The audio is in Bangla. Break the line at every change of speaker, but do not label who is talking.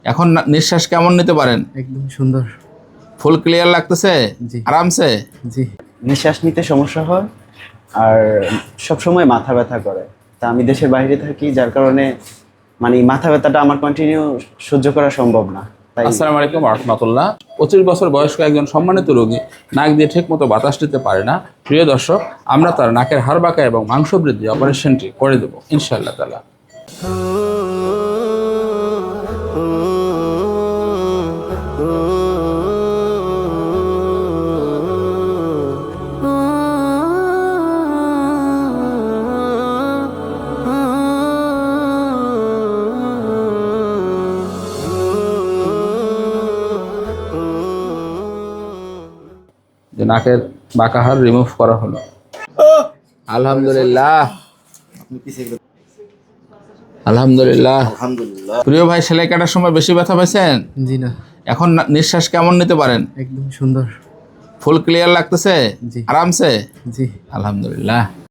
এখন নিঃশ্বাস কেমন নিতে পারেন?
একদম সুন্দর।
ফুল ক্লিয়ার লাগতেছে?
জি।
আরামসে?
জি।
নিঃশ্বাস নিতে সমস্যা হয় আর সব সময় মাথা ব্যথা করে। তা আমি দেশের বাইরে থাকি, যার কারণে মানে মাথা ব্যথাটা আমার কন্টিনিউ সহ্য করা সম্ভব না। তাই
আসসালামু আলাইকুম রাহমাতুল্লাহ। 25 বছর বয়স্ক একজন সম্মানিত রোগী নাক দিয়ে ঠিকমতো বাতাস নিতে পারে না। প্রিয় দর্শক, আমরা তার নাকের হাড় বাঁকা এবং মাংস বৃদ্ধি অপারেশনটি করে দেবো ইনশাআল্লাহ তাআলা। যে নাকের বাঁকা হাড় রিমুভ করা হলো। আলহামদুলিল্লাহ, আলহামদুলিল্লাহ। প্রিয় ভাই, সেলাই কাটার সময় বেশি ব্যথা পাইছেন?
জি না।
এখন নিঃশ্বাস কেমন নিতে পারেন?
একদম সুন্দর।
ফুল ক্লিয়ার লাগতেছে?
জি।
আরামসে?
জি।
আলহামদুলিল্লাহ।